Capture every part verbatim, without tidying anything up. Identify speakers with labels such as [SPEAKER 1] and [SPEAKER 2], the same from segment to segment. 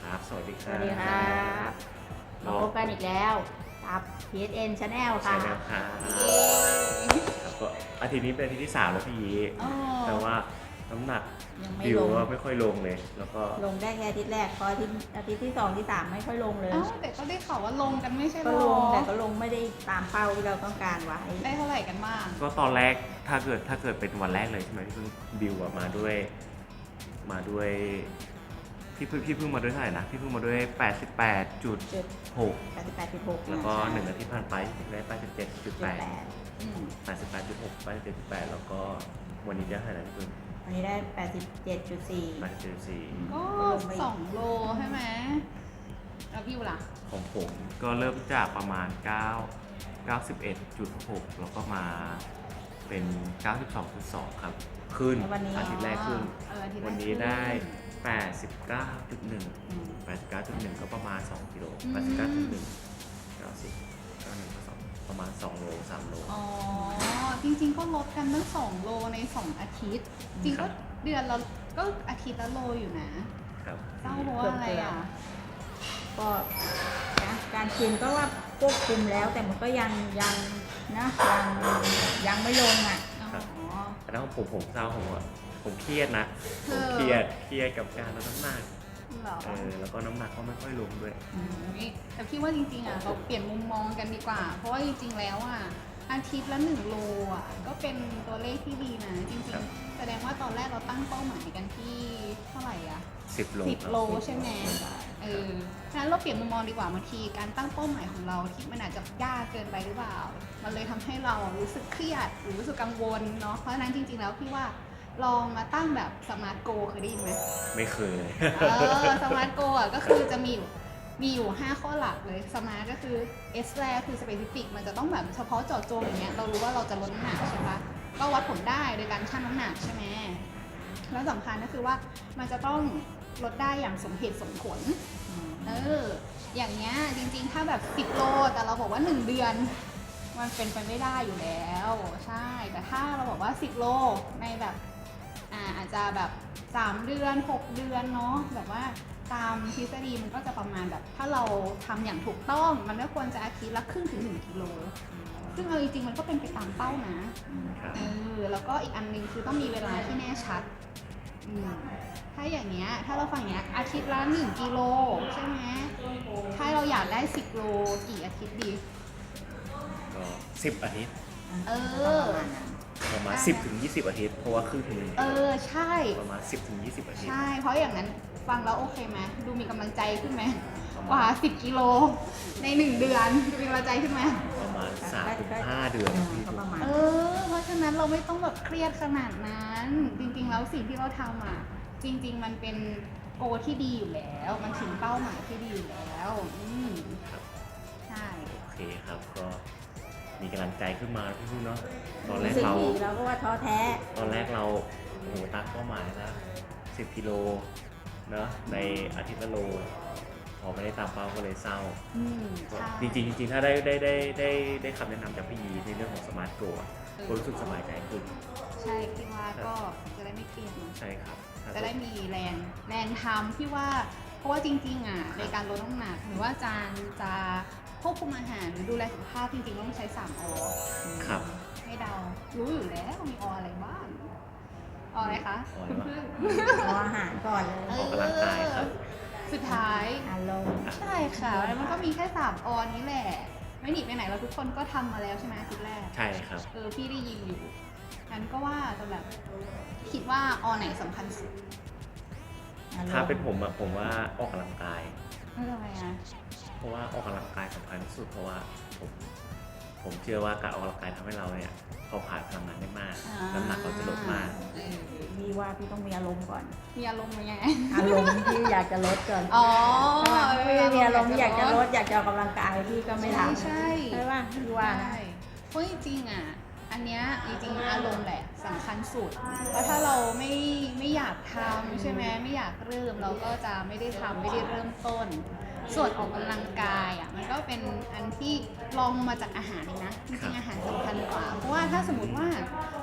[SPEAKER 1] ครับสวัสดีค
[SPEAKER 2] ส
[SPEAKER 1] รับ
[SPEAKER 2] วัสดีครับมาพบกันอีกแล้วกับ พี เอส เอ็น Channel
[SPEAKER 1] ใช่
[SPEAKER 2] ค่ะ
[SPEAKER 1] แล้วครับครับก็อาทิตย์นี้เป็นอาทิตย์ที่สามแล้วพี่ยี
[SPEAKER 2] อ๋อ
[SPEAKER 1] แต่ว่าน้ำหนัก
[SPEAKER 2] ยังไม่
[SPEAKER 1] ดิว
[SPEAKER 2] ลง
[SPEAKER 1] ว่าไม่ค่อยลงเลย แล้วก็
[SPEAKER 2] ลงได้แค่อาทิตย์แรกพออาทิตย์อาทิตย์ที่สองที่สามไม่ค่อยลงเลย
[SPEAKER 3] เอ้าแต่ก็ได้ข่าวว่าลงกันไม่ใช่หร
[SPEAKER 2] ก็
[SPEAKER 3] อ
[SPEAKER 2] ลงแต่ก็ลงไม่ได้ตามเป้าที่เราต้องการไว้
[SPEAKER 3] ได้เท่าไหร่กันบ้าง
[SPEAKER 1] ก็ตอนแรกถ้าเกิดถ้าเกิดเป็นวันแรกเลยใช่ไหมที่เพิ่งดิวอะมาด้วยมาด้วยพี่เพิ่งพี่เพิ่งมาด้วยเท่าไหร่นะพี่เพิ่งมาด้วย แปดสิบแปดจุดหก
[SPEAKER 2] แปดสิบแปดจุดหก
[SPEAKER 1] แล้วก็หนึ่งอาทิตย์ผ่านไปได้ แปดสิบเจ็ดจุดแปด
[SPEAKER 3] อืม
[SPEAKER 1] แปดสิบแปดจุดหก แปดสิบเจ็ดจุดแปดแล้วก็วันนี้ได้เท่าไหร่นะพี่เพิ่ง
[SPEAKER 2] วันนี้ได้แปดสิบเจ็ดจุดสี่
[SPEAKER 1] แปดสิบเจ็ดจุดสี่
[SPEAKER 3] ก็สองโลใช่ไหมแล้วพี่ล่ะ
[SPEAKER 1] ของผมก็เริ่มจากประมาณ9 เก้าสิบเอ็ดจุดหกแล้วก็มาเป็น เก้าสิบสองจุดสอง ครับ ขึ้น
[SPEAKER 2] วันนี้
[SPEAKER 1] อาทิตย์แรกขึ้น
[SPEAKER 3] เอออาทิตย์แรก
[SPEAKER 1] วันนี้ได้
[SPEAKER 3] ขึ้น
[SPEAKER 1] แปดสิบเก้าจุดหนึ่ง
[SPEAKER 2] อืม
[SPEAKER 1] แปดสิบเก้าจุดหนึ่ง ก็ประมาณ สองกิโล
[SPEAKER 3] อืม
[SPEAKER 1] แปดสิบเก้าจุดหนึ่ง เก้าสิบ เก้าสิบเอ็ด สองประมาณ สองโล สามโล
[SPEAKER 3] อ๋อ จริงๆก็ลดกันตั้งสองโลในสองอาทิตย์ จริง
[SPEAKER 1] ครั
[SPEAKER 3] ก็
[SPEAKER 1] บ
[SPEAKER 3] เดือนเราก็อาทิตย์ละโลอยู่นะครับ เศร้าเพราะว่าอะไรอ่ะ
[SPEAKER 2] ก็นะการกินก็ว่าควบคุมแล้วแต่มันก็ยังยังนะยังยังไม่ลงอ่ะ
[SPEAKER 1] ครับ
[SPEAKER 3] อ๋อ
[SPEAKER 1] แต่ถ้าของผมผมเศร้าผมอะผมเครียดนะ
[SPEAKER 3] เอ
[SPEAKER 1] ผม
[SPEAKER 3] อ
[SPEAKER 1] เครียดเครียดกับการลดน้ำหนัก
[SPEAKER 3] เหรอ
[SPEAKER 1] เออแล้วก็น้ำหนักก็ไม่ค่อยลงด้วย
[SPEAKER 3] นี่แต่พี่ว่าจริงๆอ่ะเราเปลี่ยนมุมมองกันดีกว่า เพราะว่าจริงๆแล้วอ่ะอาทิตย์ละหนึ่งโลอ่ะก็เป็นตัวเลขที่ดีนะจริง
[SPEAKER 1] ครับ
[SPEAKER 3] ๆ แสดงว่าตอนแรกเราตั้งเป้าหมายกันที่เท่าไหร่อ่ะ
[SPEAKER 1] สิบโล
[SPEAKER 3] สิบ
[SPEAKER 1] ครับ
[SPEAKER 3] โลใช่ไหมเออฉะนั้นเราเปลี่ยนมุมมองดีกว่าบางทีการตั้งเป้าหมายของเราที่มันอาจจะยากเกินไปหรือเปล่า มันเลยทำให้เรารู้สึกเครียดหรือรู้สึกกังวลเนาะเพราะฉะนั้นจริงๆแล้วพี่ว่าลองมาตั้งแบบสมาร์ทโกเคยได้ยินไหม
[SPEAKER 1] ไม่เคยเลย
[SPEAKER 3] เออสมาร์ทโกอ่ะก็คือจะมีอยู่มีอยู่ ห้า ข้อหลักเลยสมาร์ทก็คือ S แรกคือ specific มันจะต้องแบบเฉพาะเจาะจงอย่างเงี้ยเรารู้ว่าเราจะลดน้ำหนักใช่ปะก็วัดผลได้โดยการชั่งน้ำหนักใช่ไหมแล้วสำคัญก็คือว่ามันจะต้องลดได้อย่างสมเหตุสมผลเอออย่างเงี้ยจริงๆถ้าแบบสิบโลแต่เราบอกว่าหนึ่งเดือนมันเป็นไปไม่ได้อยู่แล้วใช่แต่ถ้าเราบอกว่าสิบโลในแบบอ่าอาจจะแบบสามเดือนหกเดือนเนาะแบบว่าตามทฤษฎีมันก็จะประมาณแบบถ้าเราทำอย่างถูกต้องมันก็ควรจะอาทิตย์ละครึ่งถึงหนึ่งกิโลซึ่งเอาจริงๆมันก็เป็นไปตามเป้านะครับ เออแล้วก็อีกอันหนึงคือต้องมีเวลาที่แน่ชัดอืมถ้าอย่างเงี้ยถ้าเราฟังอย่างเงี้ยอาทิตย์ละหนึ่งกิโลใช่ไหมถ้าเราอยากได้สิบโลกี่อาทิตย์ดี
[SPEAKER 1] ก็สิบอาทิตย์
[SPEAKER 3] เออ
[SPEAKER 2] ประมาณนั้น
[SPEAKER 1] ประมาณสิบถึงยี่สิบอาทิตย์เพราะว่าครึ่งถึงหนึ่ง
[SPEAKER 3] เออใช่
[SPEAKER 1] ประมาณสิบถึงยี่สิบอาทิตย์
[SPEAKER 3] ใช่ เพราะอย่างนั้นฟังแล้วโอเคไหมดูมีกำลังใจขึ้นไหม
[SPEAKER 1] ประมาณ
[SPEAKER 3] กว่าสิบกิโลในหนึ่งเดือนดูมีกำลังใจขึ้นไหม
[SPEAKER 1] ประมาณสามถึงห้าเดือนพี่
[SPEAKER 2] ก็ประมาณ
[SPEAKER 3] เออ เพราะฉะนั้นเราไม่ต้องแบบเครียดขนาดนั้น จริงๆแล้วสิ่งที่เราทำอ่ะ จริง ๆ มันเป็นโกที่ดีอยู่แล้ว มันถึงเป้าหมายที่ดีอยู่แล้วอืม
[SPEAKER 1] ครับ
[SPEAKER 3] ใช่
[SPEAKER 1] โอเคครับก็มีกำลังใจขึ้นมาพี่พูดเนาะตอนแร
[SPEAKER 2] รู้
[SPEAKER 1] ก
[SPEAKER 2] สึก
[SPEAKER 1] เรา
[SPEAKER 2] ดีเราก็ว่าท้อแท้
[SPEAKER 1] ตอนแรกเราโอ้โหตั้งเป้าหมายนะสิบกิโลเนาะในอาทิตย์ละโล พอไม่ได้ตามเป้าก็เลยเศร้า
[SPEAKER 3] อืมใช่
[SPEAKER 1] จริงๆจริงๆถ้าได้ได้ได้ได้ได้คำแนะนำจากพี่ยีในเรื่องของสมาร์ทโกะก็รู้สึกสบายใจขึ้น
[SPEAKER 3] ใช่พี่ว่าก็จะได้ไม่เครียดเนอะ
[SPEAKER 1] ใช่ครับถ้า
[SPEAKER 3] จะได้มีแรงแรงทำที่ว่าเพราะว่าจริงๆอ่ะในการลดน้ำหนักหรือว่าจานจะควบคุมอาหารหรือดูแลสุขภาพจริงๆต้องใช้สามอ
[SPEAKER 1] ครับ
[SPEAKER 3] ให้เดารู้อยู่แล้วมีออะไรบ้างออะไรคะ
[SPEAKER 1] ออะไรวะ
[SPEAKER 3] เพื่อน
[SPEAKER 2] เอาอาหารก่อนเลย
[SPEAKER 3] ๆ
[SPEAKER 1] ออกกำลังกายครับ
[SPEAKER 3] สุดท้าย
[SPEAKER 2] อารมณ์
[SPEAKER 3] ใช่ค่ะแล้วมันก็มีแค่สามอนี้แหละ ไม่หนีไปไหนเราทุกคนก็ทำมาแล้วใช่ไหมอาทิตย์แรก
[SPEAKER 1] ใช่ครับ
[SPEAKER 3] เออพี่ได้ยินอยู่งั้นก็ว่าจะแบบคิดว่าอไหนสำคัญสุด
[SPEAKER 2] อารมณ์
[SPEAKER 1] ถ้าเป็นผมอะผมว่าออกกำลังกาย
[SPEAKER 3] ไม่ทำไมอ่ะ
[SPEAKER 1] เพราะว่าออกกำลังกายสำคัญที่สุดเพราะว่าผมผมเชื่อว่าการออกกำลังกายทำให้เราเนี่ยเผาผลาญพลังงานได้มาก น้ำหนักเราจะลดมาก
[SPEAKER 3] เออ
[SPEAKER 2] พี่ว่าพี่ต้องมีอารมณ์ก่อน
[SPEAKER 3] มีอารมณ์ยังไง
[SPEAKER 2] อารมณ์ที่อยากจะลดก่อน
[SPEAKER 3] อ๋อ
[SPEAKER 2] ถ้าไม่มีอารมณ์ที่อยากจะลดอยากจะออกกำลังกายพี่ก็ไม่ทำ
[SPEAKER 3] ใช่
[SPEAKER 2] ใช่ป่ะพี่ว่านะ
[SPEAKER 3] ใช่เพราะจริงๆอ่ะ อันเนี้ยจริงๆอารมณ์แหละสำคัญสุด เพราะถ้าเราไม่ไม่อยากทำใช่ไหมไม่อยากเริ่มเราก็จะไม่ได้ทำไม่ได้เริ่มต้น ส่วนออกกำลังกายอ่ะมันก็เป็นอันที่ลองมาจากอาหารเองนะจริงๆอาหารสำคัญกว่า เพราะว่าถ้าสมมติว่า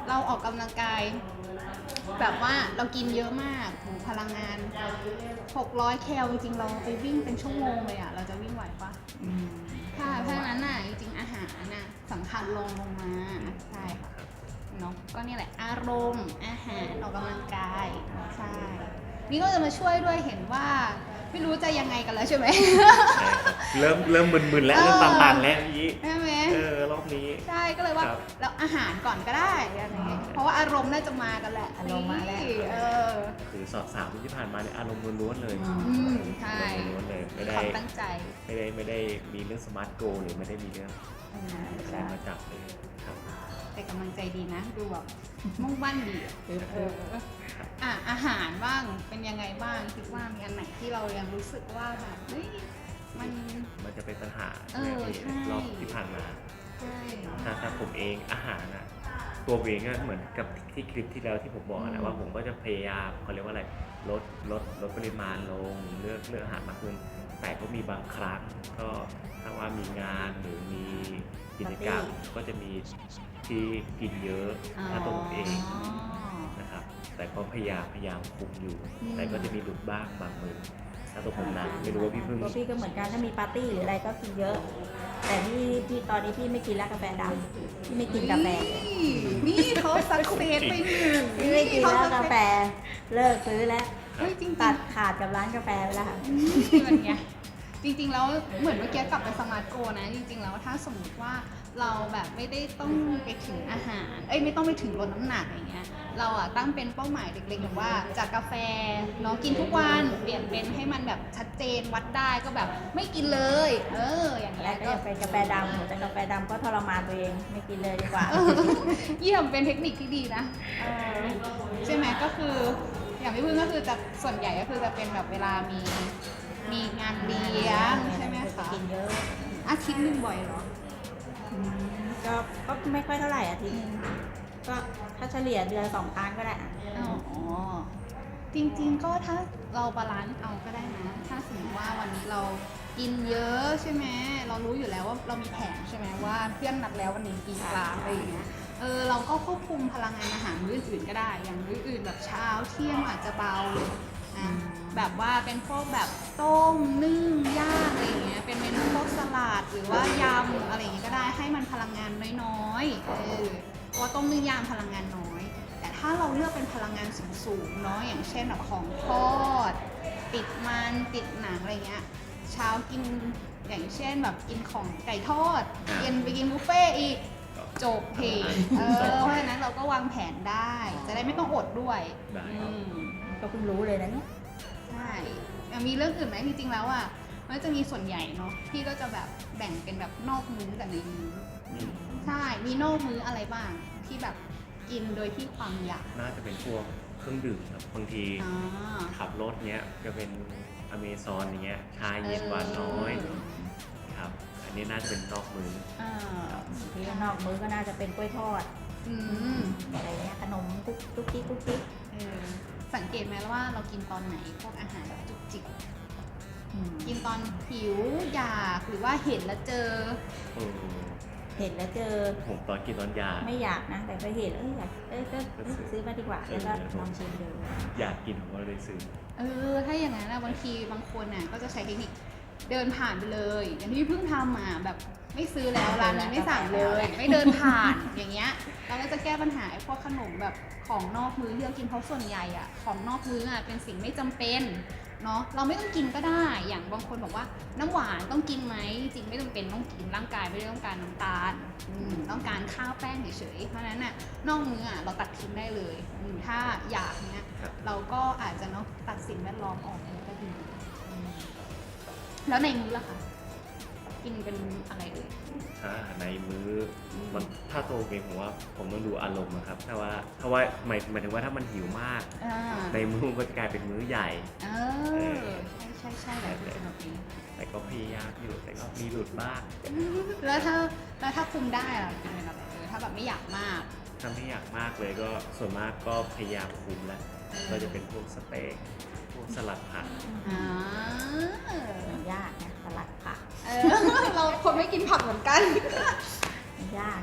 [SPEAKER 3] เราออกกำลังกาย แบบว่าเรากินเยอะมากโหพลังงานหกร้อยแคลจริงๆเราไปวิ่งเป็นชั่วโมงเลยอ่ะเราจะวิ่งไหวปะ
[SPEAKER 2] อืม
[SPEAKER 3] ค่ะเพราะฉะนั้นน่ะจริงๆอาหารน่ะสำคัญลงลงมาใช่ค่ะเนาะก็นี่แหละอารมณ์อาหารออกกำลังกายใช่นี่ก็จะมาช่วยด้วยเห็นว่าไม่รู้จะยังไงกันแล้วใช่ไหม
[SPEAKER 1] ใช่ครับเริ่มเริ่มมึนๆแล้ว
[SPEAKER 3] เออ
[SPEAKER 1] เริ่มต่างๆแล้วนี้
[SPEAKER 3] ใช่ไหม
[SPEAKER 1] เออรอบนี้
[SPEAKER 3] ใช่ก็เลยว่า
[SPEAKER 1] ครับ
[SPEAKER 3] แล้วอาหารก่อนก็ได้อะไรอย่างเงี้ยเพราะว่าอารมณ์น่าจะมากันแหละ
[SPEAKER 2] อารมณ์มาแล้ว
[SPEAKER 3] นี่เออ
[SPEAKER 1] คือสอบสามที่ผ่านมาเนี่ยอารมณ์ล้วนๆเลย
[SPEAKER 3] อืมใช่
[SPEAKER 1] อารมณ์ล้วนๆเลยไม่ได้
[SPEAKER 3] ความตั้งใจ
[SPEAKER 1] ไม่ได้ไม่ได้มีเรื่องสมาร์ทโกหรือไม่ได้มีเรื่อง
[SPEAKER 2] อืม
[SPEAKER 1] อะไร
[SPEAKER 2] ใช่
[SPEAKER 1] มาจับเลยครับ
[SPEAKER 3] แต่กำลังใจดีนะ ดูแบบมุ่งมั่นดีอะ
[SPEAKER 2] คือ
[SPEAKER 3] เอ
[SPEAKER 2] คือ
[SPEAKER 3] ออ่ะอาหารบ้างเป็นยังไงบ้างคิดว่ามีอันไหนที่เรายังรู้สึกว่าแบบเฮ้ยมัน
[SPEAKER 1] มันจะเป็นปัญหา
[SPEAKER 3] เออ
[SPEAKER 1] ใน
[SPEAKER 3] ใช่
[SPEAKER 1] รอบที่ผ่านมา
[SPEAKER 3] ใช่
[SPEAKER 1] ถ้าถ้าผมเองอาหารอะตัวผมเองก็เหมือนกับที่คลิปที่แล้วที่ผมบอกนะว่าผมก็จะพยายามเขาเรียกว่าอะไรลดลดลดปริมาณลงเลือกเลือกอาหารมากขึ้นแต่ก็มีบางครั้งก็ถ้าว่ามีงานหรือมีกิจกรรมก็จะมีที่กินเยอะถ้าตัวผมเองนะครับแต่ก็พยายามพยายามคุมอยู่ แต่ก็จะมีหลุดบ้างบางมื้อถ้าตัวผมนะไม่รู้ว่าพี่พึ่ง
[SPEAKER 2] ตัวพี่ก็เหมือนกันถ้ามีปาร์ตี้หรืออะไรก็กินเยอะ แต่ที่ที่ตอนนี้พี่ไม่กินแล้วกาแฟดำพี่ไม่กินกาแฟ
[SPEAKER 3] นี่นี่เขาสักเซสไปหนึ่ง
[SPEAKER 2] พี่ไม่กินแล้วกาแฟเลิกซื้อแล้ว
[SPEAKER 3] เฮ้ยจริงๆ
[SPEAKER 2] ตัดขาดกับร้านกาแฟไปแล้วค่ะ
[SPEAKER 3] นี่มันไงจริงๆแล้วเหมือนเมื่อกี้กลับไปสมาร์ทโกนะจริงๆแล้วถ้าสมมติว่าเราแบบไม่ได้ต้องไปถึงอาหารเอ้ยไม่ต้องไปถึงลดน้ำหนักอย่างเงี้ยเราอะตั้งเป็นเป้าหมายเล็กๆแบบว่าจากกาแฟเนาะกินทุกวันเปลี่ยนเป็นให้มันแบบชัดเจนวัดได้ก็แบบไม่กินเลย เอออย่างเงี้
[SPEAKER 2] แล้
[SPEAKER 3] ยว
[SPEAKER 2] ก็
[SPEAKER 3] ก็
[SPEAKER 2] จะเป็นกาแฟดำแต่กาแฟดำก็ทรมานตัวเองไม่กินเลยดีกว่า
[SPEAKER 3] เยี่ยมเป็นเทคนิคที่ดีนะเออใช่ไหมก็คืออย่างพี่พึ่งก็คือจะส่วนใหญ่ก็คือจะเป็นแบบเวลามีมีงานเลี้ยงใช่ไหม
[SPEAKER 2] จะ
[SPEAKER 3] คะ
[SPEAKER 2] กินเยอะ
[SPEAKER 3] อาทิตย์หนึ่งบ่อยเหรอ
[SPEAKER 2] อืมก็ก็ไม่ค่อยเท่าไหร่อาทิตย์นึงก็ถ้าเฉลี่ยเดือนสองครั้งก็ได้อะ
[SPEAKER 3] อ๋อ จริงๆก็ถ้าเราบาลานซ์เอาก็ได้นะ ถ้าสมมติว่าวันนี้เรากินเยอะใช่ไหม เรารู้อยู่แล้วว่าเรามีแผนใช่ไหมว่าเพื่อนนัดแล้ววันนี้กินปลาอะไรอย่างเงี้ย เออเราก็ควบคุมพลังงานอาหารมื้ออื่นๆก็ได้ อย่างมื้ออื่นแบบเช้าเที่ยงอาจจะเบาอ่ะแบบว่าเป็นพวกแบบต้มนึ่งย่างอะไรอย่างเงี้ย เป็นเมนูพวกสลัดหรือว่ายำอะไรอย่างเงี้ยก็ได้ให้มันพลังงานน้อยๆ เออเพราะว่าต้มนึ่งย่างพลังงานน้อย แต่ถ้าเราเลือกเป็นพลังงานสูงๆเนาะอย่างเช่นแบบของทอด ติดมันติดหนังอะไรเงี้ยเช้ากินอย่างเช่นแบบกินของไก่ทอดเย็นไปกินบุฟเฟ่ต์อีกจบเพจเออเพราะฉะนั้นเราก็วางแผนได้ จะได้ไม่ต้องอดด้วย
[SPEAKER 1] ได้
[SPEAKER 3] อืม
[SPEAKER 2] ก็เพิ่งรู้เลยนะเนี่ย
[SPEAKER 3] ใช่อ่ะมีเรื่องอื่นไหมจริงๆแล้วอ่ะมันจะมีส่วนใหญ่เนาะพี่ก็จะแบบแบ่งเป็นแบบนอกมื้อกับในมื้อ
[SPEAKER 1] อืม
[SPEAKER 3] ใช่มีนอกมื้ออะไรบ้างที่แบบกินโดยที่ความอยาก
[SPEAKER 1] น่าจะเป็นพวกเครื่องดื่มครับบางที
[SPEAKER 3] อ่า
[SPEAKER 1] ขับรถเนี้ยจะเป็นอเมซอนอย่างเงี้ยชาเย็นหวานน้อยครับ อันนี้น่าจะเป็นนอกมือ
[SPEAKER 3] เออ
[SPEAKER 2] ที่นอกมื้อก็น่าจะเป็นกล้วยทอด
[SPEAKER 3] อืม
[SPEAKER 2] อะไรเงี้ยขนมกุ๊กกุ๊กกิ๊กกุ๊กกิ๊ก
[SPEAKER 3] เออสังเกตไหมว่าเรากินตอนไหนพวกอาหารแบบจุกจิก
[SPEAKER 2] อืม
[SPEAKER 3] กินตอนหิวอยากหรือว่าเห็นแล้วเจอ
[SPEAKER 1] เออ
[SPEAKER 2] เห็นแล้วเจอ
[SPEAKER 1] ผมตอนกินตอนยา
[SPEAKER 2] ไม่อยากนะ แต่ก็เห็นเอ้ยอยากเอ้ยก็เอ้ยซื้อมาดีกว่าแล้วก็ลองชิมดู
[SPEAKER 1] อยากกินผมก็เลยซื้อ
[SPEAKER 3] เออถ้าอย่างนั้นนะบางทีบางคนน่ะก็จะใช้เทคนิคเดินผ่านไปเลย อย่างที่พี่เพิ่งทำมาแบบไม่ซื้อแล้วร้านนี้ไม่สั่งเลย ไม่เดินผ่านอย่างเงี้ยเราก็จะแก้ปัญหาไอ้พวกขนมแบบของนอกมื้อที่เรากินเพราะส่วนใหญ่อะของนอกมื้ออะเป็นสิ่งไม่จำเป็นเนาะเราไม่ต้องกินก็ได้อย่างบางคนบอกว่าน้ำหวานต้องกินไหมจริงไม่จำเป็นต้องกินร่างกายไม่ได้ต้องการน้ำตาลอืมต้องการข้าวแป้งเฉยๆเพราะฉะนั้นน่ะนอกมื้ออะเราตัดทิ้งได้เลยอืมถ้าอยากเนี้ย
[SPEAKER 1] ครับ
[SPEAKER 3] เราก็อาจจะเนาะตัดสิ่งแวดล้อมออกมันก็ดีอืมแล้วในมื้อล่ะคะกินเป็นอะไรเอ่ย
[SPEAKER 1] ถ้าในมื้ออ
[SPEAKER 3] ม
[SPEAKER 1] มันถ้าตัวเองผมว่าผมต้องดูอารมณ์อะครับถ้าว่าถ้าว่าหมายหมายถึงว่าถ้ามันหิวมาก
[SPEAKER 3] อ่า
[SPEAKER 1] ในมื้อมันก็จะกลายเป็นมื้อใหญ่
[SPEAKER 3] เออใช่ใช่ใช่แบบเป็นแบบนี้
[SPEAKER 1] แต่ก็พยายามอยู่แต่ก็มีหลุดบ้าง
[SPEAKER 3] แล้วถ้าแล้วถ้าคุมได้ล่ะกินเป็นอะไรเออถ้าแบบไม่อยากมาก
[SPEAKER 1] ถ้าไม่อยากมากเลยก็ส่วนมากก็พยายามคุมแล้วก็จะเป็นพวกสเต็กพวกสลัดผัก
[SPEAKER 3] อ่า
[SPEAKER 2] มันยากนะสลัดผัก
[SPEAKER 3] เออ เราคนไม่กินผักเหมือนกัน
[SPEAKER 2] มันยากนะ
[SPEAKER 1] เออ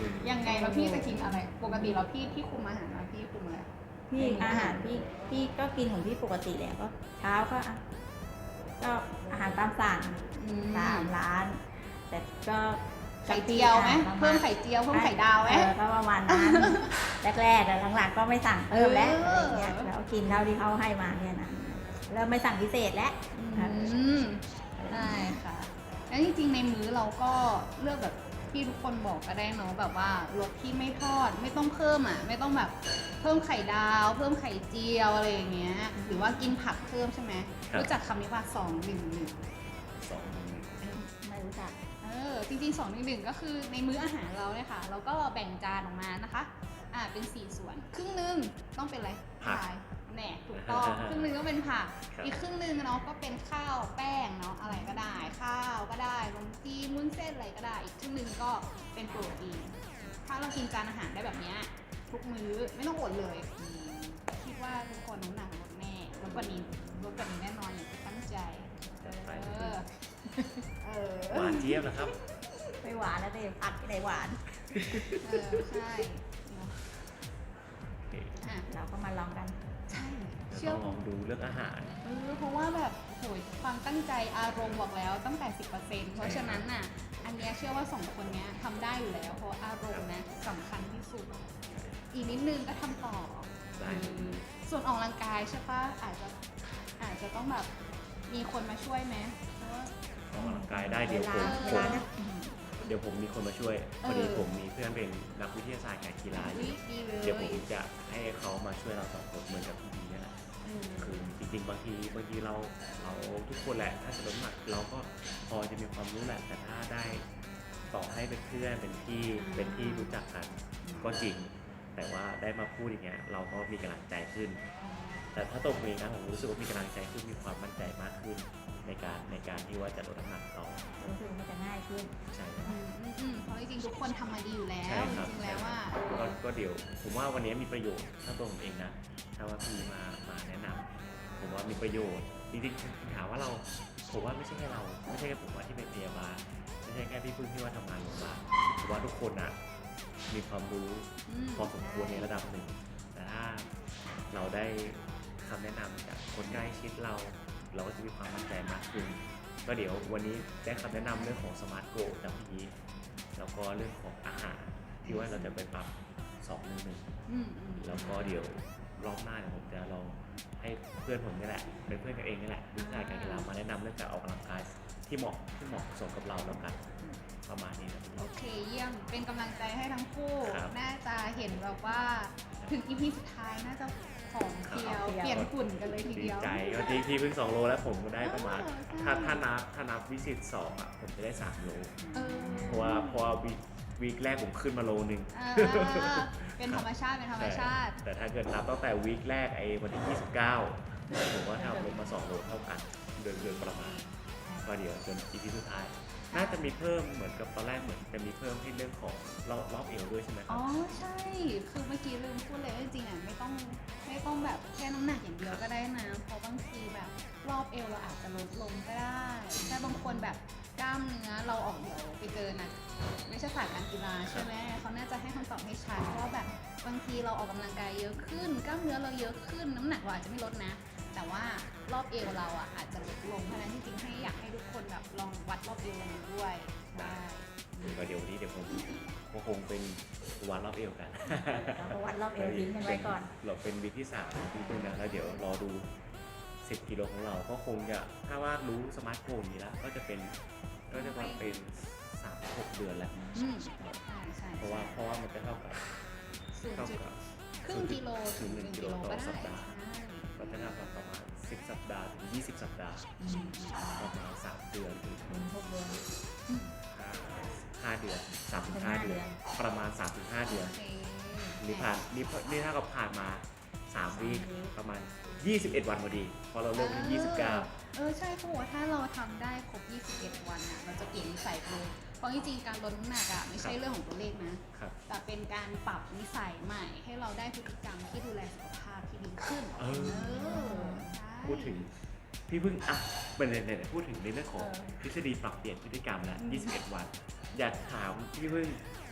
[SPEAKER 1] ม
[SPEAKER 3] ยังไงแล้วพี่จะกินอะไร ปกติแล้วพี่พี่คุมอาหารนะพี่คุมอะไร
[SPEAKER 2] พี่อาหารพี่พี่ก็กินของพี่ปกติแหละก็เช้าก็อ่ะก็อาหารตามสั่ง
[SPEAKER 3] อืม
[SPEAKER 2] ตามร้าน แต่ก็
[SPEAKER 3] ไข่เจียวไหม
[SPEAKER 2] ประาณ
[SPEAKER 3] เพิ่มไข่เจียวเพิ่มไข่ดาวไหม
[SPEAKER 2] เออก็ประมาณนั้น แรกๆแต่หลังๆก็ไม่สั่งเพิ่มแล้ว
[SPEAKER 3] เอ
[SPEAKER 2] อะไร
[SPEAKER 3] อ
[SPEAKER 2] เงี้ยแล้วกินเท่าที่เขาให้มาเนี่ยนะเริ่มไม่สั่งพิเศษแล้ว
[SPEAKER 3] อืมใช่ค่ะ แล้วจริงๆในมื้อเราก็เลือกแบบที่ทุกคนบอกก็ได้เนาะแบบว่ารสที่ไม่ทอดไม่ต้องเพิ่มอ่ะ ไม่ต้องแบบเพิ่มไข่ดาว เพิ่มไข่เจียวอะไรอย่างเงี้ย หรือว่ากินผักเพิ่มใช่ไหม
[SPEAKER 1] ครับ
[SPEAKER 3] รู้จักคำนี้ว่าสองหนึ่งหนึ่ง
[SPEAKER 1] สองมื้อ
[SPEAKER 2] ไม่รู้จัก
[SPEAKER 3] เออจริงๆสองหนึ่งหนึ่งก็คือในมื้ออาหารเราเนี่ยค่ะ เราก็แบ่งจานออกมานะคะ อ่าเป็นสี่ส่วน ครึ่งหนึงต้องเป็นอะไร
[SPEAKER 1] ผัก
[SPEAKER 3] พายแหน่ถูกต้อง ครึ่งหนึงก็เป็นผัก
[SPEAKER 1] ครับ
[SPEAKER 3] อีกครึ่งหนึงเนาะก็เป็นข้าวแป้งเนาะอะไรก็ได้ ข้าวก็ได้นมจีนมุ้นเส้นอะไรก็ได้ อีกครึ่งหนึงก็เป็นโปรตีน ถ้าเรากินจานอาหารได้แบบเนี้ยทุกมื้อไม่ต้องอดเลยอืมคิดว่าทุกคนน้ำหนักลดแน่ลดกว่านี้ลดกว่านี้แน่นอนอย่างที่ตั้งใจ
[SPEAKER 1] จัดไป
[SPEAKER 3] เออเออ
[SPEAKER 1] หวานเจี๊ยบนะครับ
[SPEAKER 2] ไม่หวานแล้วแต่ผัดที่ไหนหวาน
[SPEAKER 3] เออใช่เนอะ
[SPEAKER 1] โอเค
[SPEAKER 3] อ่ะ
[SPEAKER 2] เราก็มาลองกัน
[SPEAKER 3] ใช่
[SPEAKER 1] เดี๋ยว
[SPEAKER 3] เชื่อ
[SPEAKER 1] ต้องลองดูเรื่องอาหาร
[SPEAKER 3] เออเพราะว่าแบบโหยความตั้งใจอารมณ์บอกแล้วตั้งแต่สิบเปอร์เซ็นต์เพราะฉะนั้นน่ะ อันเนี้ยเชื่อว่าสองคนเนี้ยทำได้อยู่แล้ว เพราะอารมณ์นะสำคัญที่สุด อีกนิดนึงก็ทำต่อ
[SPEAKER 1] ได้
[SPEAKER 3] เออส่วนออกกำลังกายใช่ปะอาจจะอาจจะต้องแบบมีคนมาช่วยไหมเพราะว่า
[SPEAKER 1] ออกกำลังกายได้เดี๋ยวผม
[SPEAKER 2] เว
[SPEAKER 1] ผม
[SPEAKER 2] ลานะอืม
[SPEAKER 1] เดี๋ยวผมมีคนมาช่วย
[SPEAKER 3] เออ
[SPEAKER 1] พอดีผมมีเพื่อนเป็นนักวิทยาศาสตร์การกีฬาอ
[SPEAKER 3] อุ๊
[SPEAKER 1] ยู่
[SPEAKER 3] ยดีเลย
[SPEAKER 1] เดี๋ยวผมจะให้เขามาช่วยเราสองคนเหมือนกับพี่ดีนี่แหละ
[SPEAKER 3] เออ
[SPEAKER 1] คือจริงๆบางทีบางทีเราเราทุกคนแหละถ้าจะลดน้ำหนักเราก็พอจะมีความรู้แหละ แต่ถ้าได้ต่อให้เป็นเพื่อนเป็นพี่เป็นที่รู้จักกันก็จริง แต่ว่าได้มาพูดอย่างเงี้ยเราก็มีกำลังใจขึ้น แต่ถ้าตัวผมเองนะผมรู้สึกว่ามีกำลังใจขึ้นมีความมั่นใจมากขึ้น ในการในการที่ว่าจะลดน้ำหนักต่อ
[SPEAKER 2] รู้สึกมันจะง่ายขึ้น
[SPEAKER 1] ใช่ครับ
[SPEAKER 3] อืมอืมอืมเพราะจริงๆทุกคนทำมาดีอยู่แล้ว
[SPEAKER 1] ใช่ครับ
[SPEAKER 3] จริงๆแล้วว่า
[SPEAKER 1] ก็ก็เดี๋ยวผมว่าวันนี้มีประโยชน์ถ้าตัวผมเองนะถ้าว่าพี่มามาแนะนำผมว่ามีประโยชน์จริงๆถามว่าเราผมว่าไม่ใช่แค่เราไม่ใช่แค่ผมว่าที่เป็นพยาบาลไม่ใช่แค่พี่พึ่งที่ว่าทำงานโรงพยาบาลผมว่าทุกคนอ่ะมีความรู้
[SPEAKER 3] อืม
[SPEAKER 1] พอสมควรในระดับหนึ่ง แต่ถ้าเราได้คำแนะนำจากคนใกล้ชิดเรา เราก็จะมีความมั่นใจมากขึ้น ก็เดี๋ยววันนี้ได้คำแนะนำเรื่องของสมาร์ทโกจากพี่ยีแล้วก็เรื่องของอาหารที่ว่าเราจะไปปรับสองหนึ่งหนึ่ง
[SPEAKER 3] อืมอืม
[SPEAKER 1] แล้วก็เดี๋ยวรอบหน้าเนี่ยผมจะลองให้เพื่อนผมนี่แหละเป็นเพื่อนกันเองนี่แหละวิชาการกีฬามาแนะนำเรื่องการออกกำลังกายที่เหมาะที่เหมาะสมกับเราแล้วกันประมาณนี้นะ
[SPEAKER 3] โอเคเยี่ยมเป็นกำลังใจให้ทั้งคู่
[SPEAKER 1] ครับ
[SPEAKER 3] น่าจะเห็นแบบว่าถึงอีพีสุดท้ายน่าจะผอมเพรียว
[SPEAKER 2] ครับ
[SPEAKER 3] เปลี่ยนหุ่นกันเลยที
[SPEAKER 1] ดี
[SPEAKER 3] เดียว
[SPEAKER 1] ใจก็ที่พี่เพิ่งสองโลแล้วผมก็ได้ประมาณ
[SPEAKER 3] เออใช่
[SPEAKER 1] ถ้าถ้านับถ้านับวิสิตสองอ่ะผมจะได้สามโล
[SPEAKER 3] เออ
[SPEAKER 1] เพราะว่าเพราะว่าวีควีคแรกผมขึ้นมาโลนึง
[SPEAKER 3] อ่าเป็นธรรมชาติเป็นธรรมชาติ
[SPEAKER 1] แต่แต่ถ้าเกิดนับตั้งแต่วีคแรกไอ้วันที่ยี่สิบเก้าผมก็ทำลงมาสองโลเท่ากันเดือนเดือนประมาณก็เดี๋ยวจนอีพีสุดท้าย น่าจะมีเพิ่มเหมือนกับตอนแรกเหมือนจะมีเพิ่มให้เรื่องของรอบรอบเอวด้วยใช่ไหมครั
[SPEAKER 3] อ๋
[SPEAKER 1] บ
[SPEAKER 3] อใช่ คือเมื่อกี้ลืมพูดเลยว่าจริงๆอ่ะไม่ต้องไม่ต้องแบบแค่น้ำหนักอย่างเดียวก็ได้นะ เพราะบางทีแบบรอบเอวเราอาจจะลดลงก็ได้แต่บางคนแบบกล้ามเนื้อเราออกเดี๋ยวไปเจอนะไม่ใช่ศาสตร์การกีฬาใช่ไหมเขาน่าจะให้คำตอบให้ชัดว่าแบบบางทีเราออกกำลังกายเยอะขึ้น กล้ามเนื้อเราเยอะขึ้น น้ำหนักเราอาจจะไม่ลดนะ แต่ว่ารอบเอวเราอ่ะอาจจะลดลงเพราะฉะนั้นจริงๆให้อยากให้ทุกคนแบบลองวัดรอบเอวเราดูด้วยได้
[SPEAKER 1] ก็เดี๋ยววันนี้เดี๋ยวผมก็คงเป็นวันรอบเอวกัน
[SPEAKER 2] เราก็วัดรอบเอวทิ้งกันไว้ก่อน
[SPEAKER 1] เราเป็นวีคที่สามของพี่พึ่งนะแล้วเดี๋ยวรอดูสิบกิโลของเราก็คงจะถ้าว่ารู้สมาร์ทโฟนนี้แล้วก็จะเป็นก็จะว่าเป็นสามหกเดือนแล้ว
[SPEAKER 3] อืมใช่ใช่
[SPEAKER 1] เพราะว่าเพราะว่ามันจะเท่ากับ
[SPEAKER 3] ศูนย์
[SPEAKER 1] เท่า
[SPEAKER 3] จุด
[SPEAKER 1] กับ
[SPEAKER 3] ครึ่งกิโลถึงหนึ่งกิโลก็ได้
[SPEAKER 1] สัปดาห์ ก็จะเท่ากับประมาณสิบสัปดาห์ถึงยี่สิบสัปดาห์
[SPEAKER 3] ใช่
[SPEAKER 1] ประมาณสามเดือนถึง
[SPEAKER 2] เป็นหกเดือน
[SPEAKER 1] ห้าห้าเดือนสามถึงห้าเดือน ประมาณสามถึงห้าเดือน
[SPEAKER 3] โอเค
[SPEAKER 1] นี่ผ่านนี่นี่เท่ากับผ่านมาสามวีคประมาณยี่สิบเอ็ดวันพอดีพอเราเริ่มที่ยี่สิบเก้า
[SPEAKER 3] เออใช่เขาบอกว่าถ้าเราทำได้ครบยี่สิบเอ็ดวันอ่ะเราจะเปลี่ยนนิสัยไปเลยเพราะจริงๆการลดน้ำหนักอ่ะไม่ใช่เรื่องของตัวเลขนะ
[SPEAKER 1] ครับ
[SPEAKER 3] แต่เป็นการปรับนิสัยใหม่ ให้เราได้พฤติกรรมที่ดูแลสุขภาพที่ดีขึ้น
[SPEAKER 1] เออ
[SPEAKER 3] อใช่
[SPEAKER 1] พูดถึงพี่เพิ่งอ่ะเป็นเนี่ยพูดถึงในเรื่องของ
[SPEAKER 2] เออ
[SPEAKER 1] ทฤษฎีปรับเปลี่ยนพฤติกรรมแล้วยี่สิบเอ็ดวัน อยากถามพี่เพิ่งพี่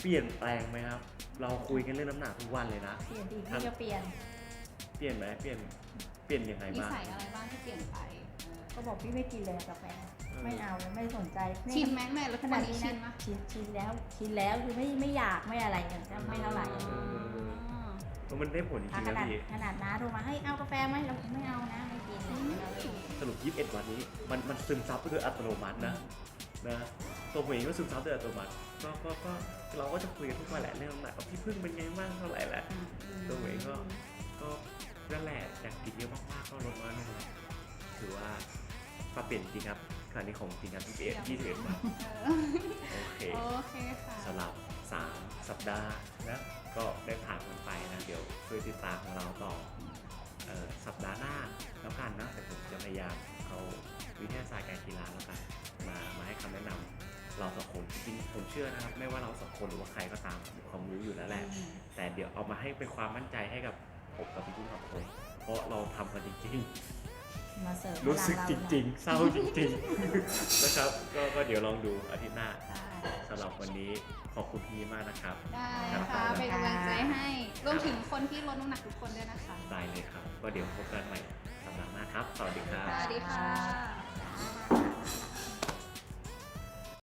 [SPEAKER 1] ปลี่ยนแปลงไหมครับ เราคุยกันเรื่องน้ำหนักทุกวันเลยนะ
[SPEAKER 2] เปลี่ยนดีพี่ก็เปลี่ยน
[SPEAKER 1] เปลี่ยนไหมเปลี่ยนเปลี่ยนยังไง
[SPEAKER 3] นิ
[SPEAKER 1] บ้าง
[SPEAKER 3] สัยอะไรบ้างที่เปลี่ยนไปเออ
[SPEAKER 2] ก็บอกพี่ไม่กินเลยกาแฟ ไม่เอาไม่สนใจ
[SPEAKER 3] ชินไหมแม่แล้ว
[SPEAKER 2] ข
[SPEAKER 3] ข
[SPEAKER 2] นา
[SPEAKER 3] นา
[SPEAKER 2] ด
[SPEAKER 3] ด
[SPEAKER 2] นี้
[SPEAKER 3] นี้
[SPEAKER 2] นะ
[SPEAKER 3] ชินปะ
[SPEAKER 2] ชินชินแล้วชินแล้วคือไม่ไม่อยากไม่อะไรอย่างเงี้ยไม่เท่าไหร่
[SPEAKER 1] เออ มันได้ผลจริ
[SPEAKER 2] อ่ะ
[SPEAKER 1] ง
[SPEAKER 2] ข
[SPEAKER 1] ๆนะ
[SPEAKER 2] นาด
[SPEAKER 1] พี่
[SPEAKER 2] ขนาดน้าโทรมาให้เอากาแฟไหมเราไม่เอานะไม่กินเราไม่กิน
[SPEAKER 1] สรุปยี่สิบเอ็ดวันนี้มันมันซึมซับไปโดยอัตโนมัตินะนะตัวผมเองก็ซึมซับโดยอัตโนมัติก็ก็ก็เราก็จะคุยกันทุกวันแหละเรื่องน้ำหนักว่าพี่พึ่งเป็นไงบ้างเท่าไหร่แหละตัวผมเองก็ก็นั่นแหละจากกินเยอะมากๆก็ลดน้อยลงเลยถือว่าปรับเปลี่ยนจริงครับคราวนี้ของจริงครับยี่สิบเอ็ดยี่สิบเอ็ดวัน
[SPEAKER 3] เออ
[SPEAKER 1] โอเค
[SPEAKER 3] โอเคค่ะ
[SPEAKER 1] สำหรับสามสัปดาห์นะก็ได้ผ่านมันไปนะเดี๋ยวช่วยติดตามของเราต่อเอ่อสัปดาห์หน้าแล้วกันนะแต่ผมจะพยายามเอาวิทยาศาสตร์การกีฬาแล้วกันมามาให้คำแนะนำเราสองคนจริงๆผมเชื่อนะครับไม่ว่าเราสองคนหรือว่าใครก็ตามมีความรู้อยู่แล้วแหละ แต่เดี๋ยวเอามาให้เป็นความมั่นใจให้กับผมกับพี่กุ้งสองคนเพราะเราทำกันจริง
[SPEAKER 2] มาเสิร์ฟ
[SPEAKER 1] ๆ รู้สึก
[SPEAKER 2] พ
[SPEAKER 1] จ
[SPEAKER 2] ลังเา
[SPEAKER 1] ริงๆ เศร้าจริงๆ นะครับก็ก็เดี๋ยวลองดูอาทิตย์หน้า
[SPEAKER 3] ได้
[SPEAKER 1] สำหรับวันนี้ขอบคุณพี่มากนะครับ
[SPEAKER 3] ได้ค่ะเป็นกำลังใจให้รวมถึงคนที่ลดน้ำหนักทุกคนด้วยนะคะ
[SPEAKER 1] ได้เลยครับ ก็เดี๋ยวพบกันใหม่สัปดาห์หน้าครับ สวัสดีครับ
[SPEAKER 3] สวัสดีค่ะ